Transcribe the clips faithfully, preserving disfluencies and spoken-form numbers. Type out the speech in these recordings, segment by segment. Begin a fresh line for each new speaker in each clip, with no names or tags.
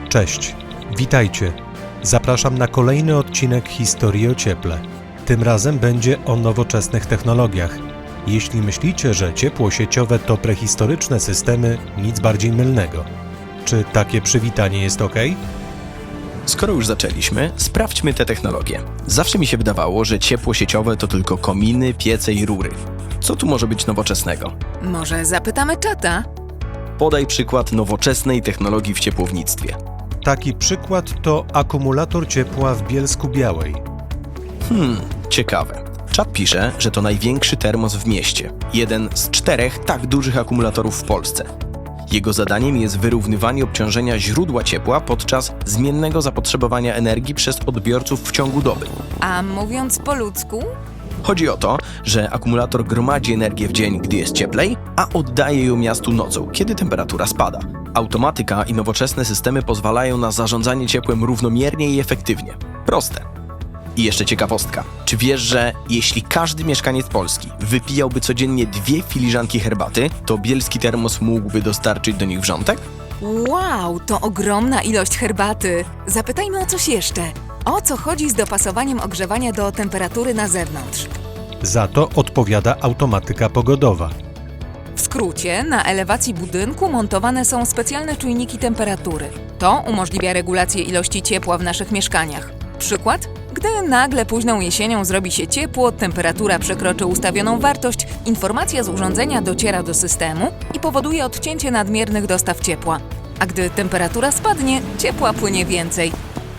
Cześć, witajcie. Zapraszam na kolejny odcinek Historii o cieple. Tym razem będzie o nowoczesnych technologiach. Jeśli myślicie, że ciepło sieciowe to prehistoryczne systemy, nic bardziej mylnego. Czy takie przywitanie jest ok?
Skoro już zaczęliśmy, sprawdźmy te technologie. Zawsze mi się wydawało, że ciepło sieciowe to tylko kominy, piece i rury. Co tu może być nowoczesnego?
Może zapytamy czata?
Podaj przykład nowoczesnej technologii w ciepłownictwie.
Taki przykład to akumulator ciepła w Bielsku-Białej.
Hmm, ciekawe. Czat pisze, że to największy termos w mieście. Jeden z czterech tak dużych akumulatorów w Polsce. Jego zadaniem jest wyrównywanie obciążenia źródła ciepła podczas zmiennego zapotrzebowania energii przez odbiorców w ciągu doby.
A mówiąc po ludzku?
Chodzi o to, że akumulator gromadzi energię w dzień, gdy jest cieplej, a oddaje ją miastu nocą, kiedy temperatura spada. Automatyka i nowoczesne systemy pozwalają na zarządzanie ciepłem równomiernie i efektywnie. Proste. I jeszcze ciekawostka. Czy wiesz, że jeśli każdy mieszkaniec Polski wypijałby codziennie dwie filiżanki herbaty, to bielski termos mógłby dostarczyć do nich wrzątek?
Wow, to ogromna ilość herbaty. Zapytajmy o coś jeszcze. O co chodzi z dopasowaniem ogrzewania do temperatury na zewnątrz?
Za to odpowiada automatyka pogodowa.
W skrócie, na elewacji budynku montowane są specjalne czujniki temperatury. To umożliwia regulację ilości ciepła w naszych mieszkaniach. Przykład? Gdy nagle późną jesienią zrobi się ciepło, temperatura przekroczy ustawioną wartość, informacja z urządzenia dociera do systemu i powoduje odcięcie nadmiernych dostaw ciepła. A gdy temperatura spadnie, ciepła płynie więcej.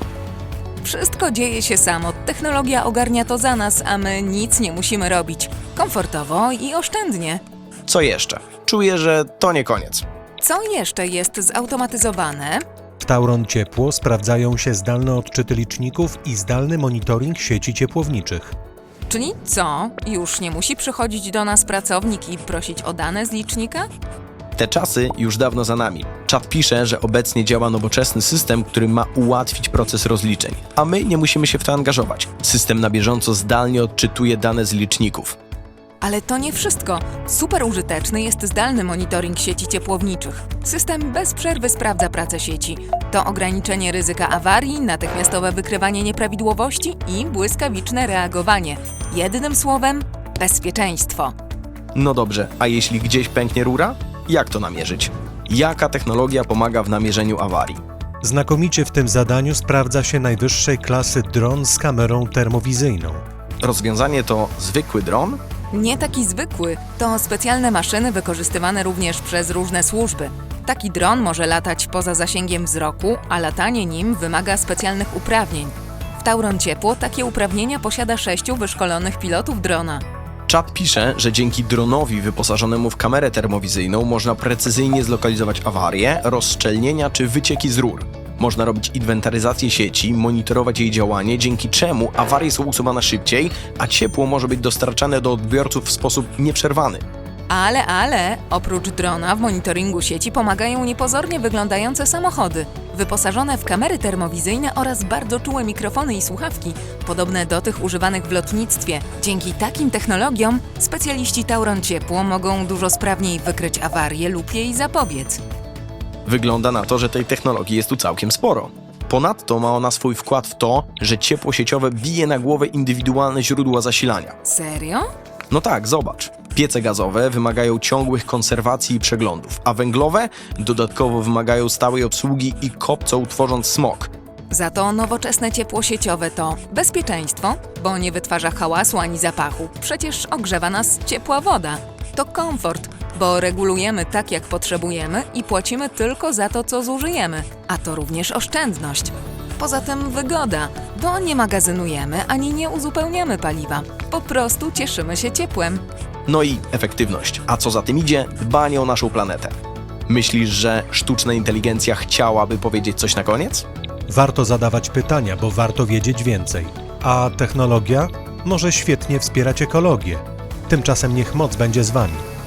Wszystko dzieje się samo, technologia ogarnia to za nas, a my nic nie musimy robić. Komfortowo i oszczędnie.
Co jeszcze? Czuję, że to nie koniec.
Co jeszcze jest zautomatyzowane?
W Tauron Ciepło sprawdzają się zdalne odczyty liczników i zdalny monitoring sieci ciepłowniczych.
Czyli co? Już nie musi przychodzić do nas pracownik i prosić o dane z licznika?
Te czasy już dawno za nami. Czat pisze, że obecnie działa nowoczesny system, który ma ułatwić proces rozliczeń, a my nie musimy się w to angażować. System na bieżąco zdalnie odczytuje dane z liczników.
Ale to nie wszystko. Super użyteczny jest zdalny monitoring sieci ciepłowniczych. System bez przerwy sprawdza pracę sieci. To ograniczenie ryzyka awarii, natychmiastowe wykrywanie nieprawidłowości i błyskawiczne reagowanie. Jednym słowem, bezpieczeństwo.
No dobrze, a jeśli gdzieś pęknie rura? Jak to namierzyć? Jaka technologia pomaga w namierzeniu awarii?
Znakomicie w tym zadaniu sprawdza się najwyższej klasy dron z kamerą termowizyjną.
Rozwiązanie to zwykły dron?
Nie taki zwykły, to specjalne maszyny wykorzystywane również przez różne służby. Taki dron może latać poza zasięgiem wzroku, a latanie nim wymaga specjalnych uprawnień. W Tauron Ciepło takie uprawnienia posiada sześciu wyszkolonych pilotów drona.
Czat pisze, że dzięki dronowi wyposażonemu w kamerę termowizyjną można precyzyjnie zlokalizować awarie, rozszczelnienia czy wycieki z rur. Można robić inwentaryzację sieci, monitorować jej działanie, dzięki czemu awarie są usuwane szybciej, a ciepło może być dostarczane do odbiorców w sposób nieprzerwany.
Ale, ale, oprócz drona w monitoringu sieci pomagają niepozornie wyglądające samochody, wyposażone w kamery termowizyjne oraz bardzo czułe mikrofony i słuchawki, podobne do tych używanych w lotnictwie. Dzięki takim technologiom specjaliści Tauron Ciepło mogą dużo sprawniej wykryć awarię lub jej zapobiec.
Wygląda na to, że tej technologii jest tu całkiem sporo. Ponadto ma ona swój wkład w to, że ciepło sieciowe bije na głowę indywidualne źródła zasilania.
Serio?
No tak, zobacz. Piece gazowe wymagają ciągłych konserwacji i przeglądów, a węglowe dodatkowo wymagają stałej obsługi i kopcą, tworząc smog.
Za to nowoczesne ciepło sieciowe to bezpieczeństwo, bo nie wytwarza hałasu ani zapachu. Przecież ogrzewa nas ciepła woda. To komfort, bo regulujemy tak, jak potrzebujemy i płacimy tylko za to, co zużyjemy. A to również oszczędność. Poza tym wygoda, bo nie magazynujemy ani nie uzupełniamy paliwa. Po prostu cieszymy się ciepłem.
No i efektywność, a co za tym idzie, dbanie o naszą planetę. Myślisz, że sztuczna inteligencja chciałaby powiedzieć coś na koniec?
Warto zadawać pytania, bo warto wiedzieć więcej. A technologia może świetnie wspierać ekologię. Tymczasem niech moc będzie z Wami.